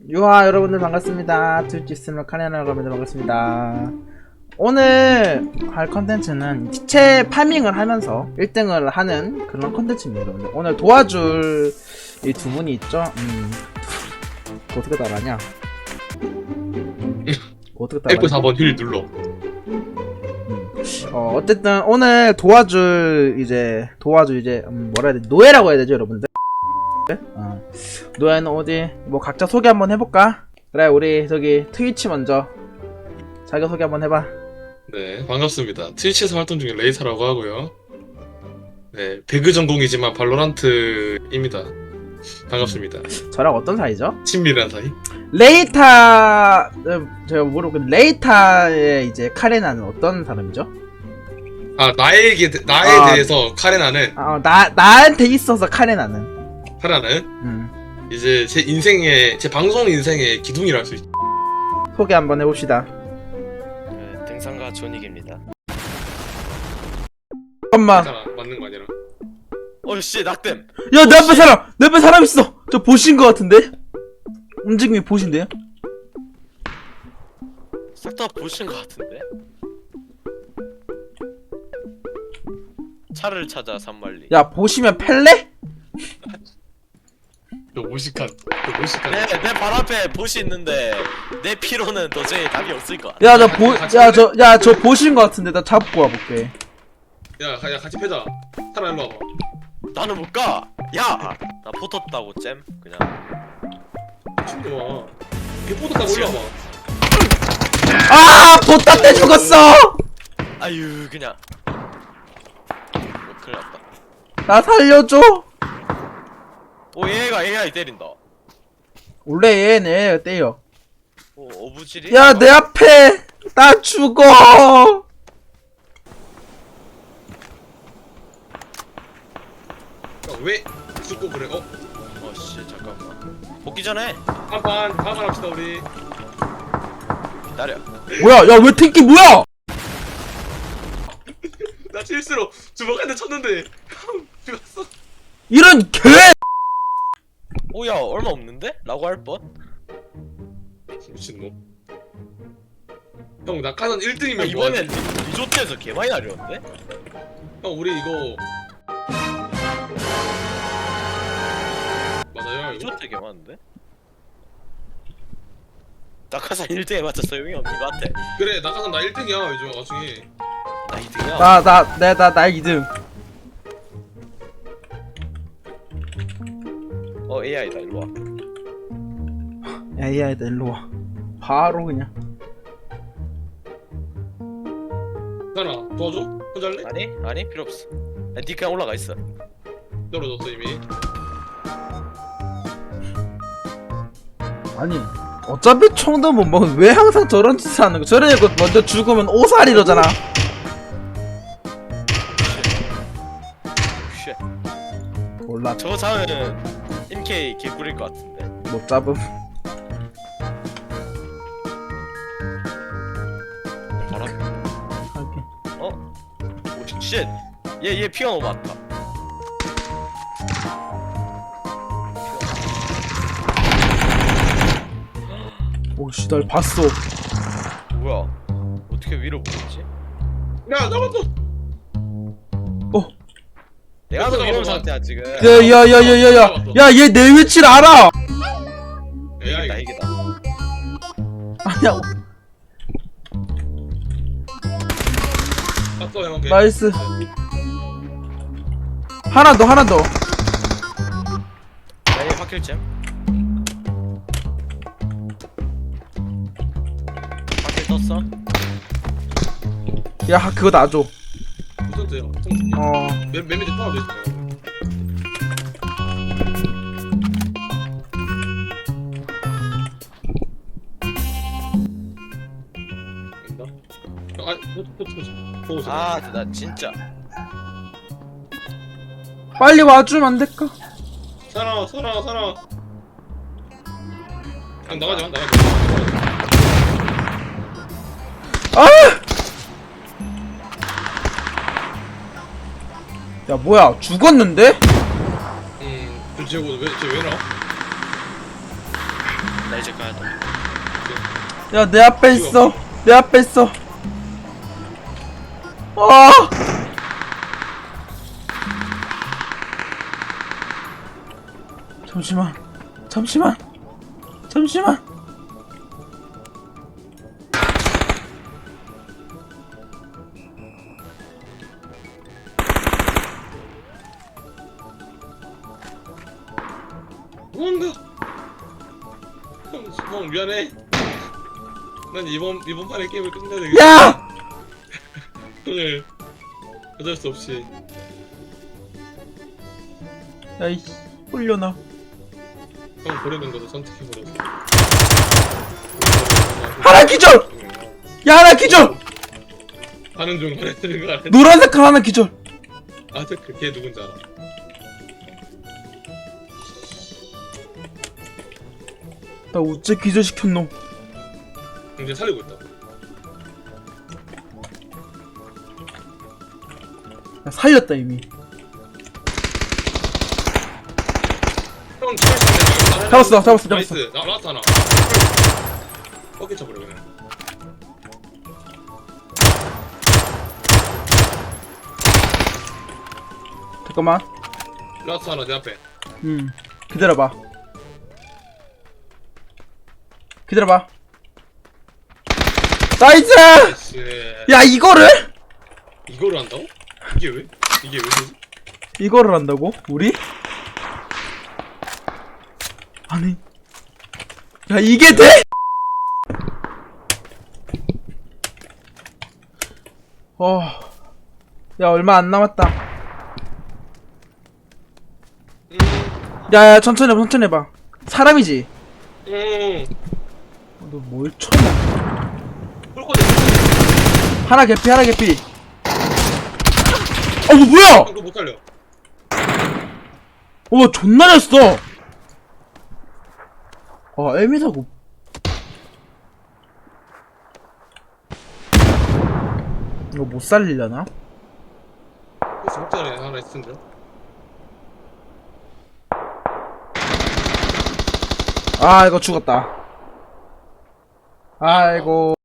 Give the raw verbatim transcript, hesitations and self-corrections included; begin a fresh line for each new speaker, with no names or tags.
유하 여러분들 반갑습니다. 트위치 스트리머 카리나 여러분들 반갑습니다. 오늘 할 컨텐츠는 티체 파밍을 하면서 일 등을 하는 그런 컨텐츠입니다. 여러분들 오늘 도와줄 이 두 분이 있죠. 음, 그거 어떻게 따라하냐? 그거 어떻게 따라하냐?
에프 사 번 휠 눌러.
음. 어 어쨌든 오늘 도와줄 이제 도와줄 이제 음, 뭐라 해야 돼? 노예라고 해야 되죠, 여러분들. 어. 노예는 어디 뭐 각자 소개 한번 해볼까? 그래, 우리 저기 트위치 먼저 자기 소개 한번 해봐.
네, 반갑습니다. 트위치에서 활동 중인 레이사라고 하고요. 네, 배그 전공이지만 발로란트입니다. 반갑습니다.
저랑 어떤 사이죠?
친밀한 사이?
레이타 음, 제가 모르고 레이타의 이제 카레나는 어떤 사람이죠?
아, 나에게 나에
아.
대해서 카레나는
아, 나 나한테 있어서 카레나는
카레나는
음.
이제 제 인생의 제 방송 인생의 기둥이라 할 수 있죠.
소개 한번 해봅시다.
네, 등산가 존익입니다.
잠깐만.
괜찮아, 맞는 거 아니라.
어씨 낙댐.
야, 내 앞에 사람! 내 앞에 사람 있어! 저 보신 거 같은데? 움직임이 보신데요?
싹 다 보신 것 같은데. 차를 찾아 산말리.
야, 보시면 펠레?
저 무식한, 저 무식한.
내내 발 앞에 보시 있는데 내 피로는 도저히 답이 없을 것 같아.
야, 나 보, 야, 저, 야, 저 보신 거 같은데 나 잡고 와볼게.
야, 가- 야, 같이 패자. 타라 일로 와봐.
나는 못 가. 야, 나 포터 따고 잼 그냥.
친구야. 걔 포도 타고 올라와봐.
아, 보따 때 죽었어!
아유 그냥. 뭐 큰일 났다.
나 살려줘!
오 얘가 에이아이 때린다.
원래 얘네 때려.
오 어부질이.
야, 내 앞에! 나 죽어!
야, 왜 죽고 그래? 어?
어씨 잠깐만. 복귀 전에
한판 한판 합시다 우리.
기다려.
뭐야, 야, 왜 탱키 뭐야!
나 실수로 주먹한테 쳤는데 형 죽었어.
이런 개!
오야 얼마 없는데? 라고 할 뻔?
미친놈. 형 낙하산 일 등이면
아, 이번엔 리- 리조트에서 개 많이 날렸는데?
형 우리 이거 맞아요 이거?
리조트 개 많은데? 낙하산 일 등에 맞춰 소용이 없는 것 같아.
그래 낙하산 나 일 등이야 요즘 나중에.
나 이 등이야.
나, 나, 내, 나, 나 이 등.
어 에이아이다 일로 와.
야, 이 아이다, 일로 와. 바로 그냥.
괜찮아 도와줘? 혼자 할래?
아니 아니 필요 없어. 야, 니 그냥 올라가 있어.
떨어졌어 이미.
아니, 어차피 총도 못 먹으면 왜 항상 저런 짓을 하는 거? 저런 애가 먼저 죽으면 오살이러잖아.
쉣.
몰라,
저거 잡으면 인케이 개꿀일 것 같은데.
못 잡음.
바람.
하긴.
어? 오 쉣. 얘얘 피가 너무 많다.
오씨, 날 봤어.
뭐야? 어떻게 위로 보겠지?
야 잡았어.
어.
내가 더 위험 상태야 지금.
야, 야, 야, 야, 야, 야. 야, 얘 내 위치를 알아!
에이아이.
이기다 이기다.
아니야,
봤어 형. 걔.
나이스. 하나 더, 하나 더.
야얘 확킬잼. 확킬 떴어?
야, 그거 놔줘.
무슨데요?
어.
맨 맨 밑에 하나 더 있어. 아, 보고
아, 나 진짜.
빨리 와주면 안 될까?
살아, 살아, 살아. 형 나가지 마, 나가지 마.
아! 야, 뭐야, 죽었는데?
음, 저 쟤고 왜, 쟤 왜 나와?
나 이제 가야 돼.
야, 내 앞에 있어. 내 앞에 있어. 아! 잠시만. 잠시만. 잠시만.
도망가. 형, 형 미안해. 난 이번 이번 판에 게임을 끝내야 되겠어.
야!
오늘 어쩔 수 없이.
야, 이 홀려나.
형 버리는 것도 선택해 버렸어.
하나 기절! 야, 하나 기절!
하는 중 하는 중 하는 중.
노란색 칼 하나 기절.
아, 저걔 누군지 알아.
나 어째 기절시킨 놈.
이제 살리고 있다.
야, 살렸다, 이미.
형 죽을
잡았어, 잡았어,
나이스.
잡았어.
나 라스트 하나. 꺾여 쳐버려 그냥.
잠깐만.
라스트 하나 내 앞에.
음, 기다려봐. 기다려봐. 나이스!
나이스.
야, 이거를?
이거를 한다고? 이게 왜? 이게 왜 되지?
이거를 한다고? 우리? 아니. 야, 이게 돼? 어. 야, 얼마 안 남았다.
음,
야, 야, 천천히 해봐, 천천히 해봐. 사람이지?
음.
너 뭘 쳐냐?
홀코드.
하나 개피, 하나 개피. 어, 뭐, 뭐야!
그거 못 살려.
어, 존나 잘 써! 아, 에미사고. 이거 못 살리려나?
혹시 목전에 하나 있을 텐데.
아, 이거 죽었다. 아이고.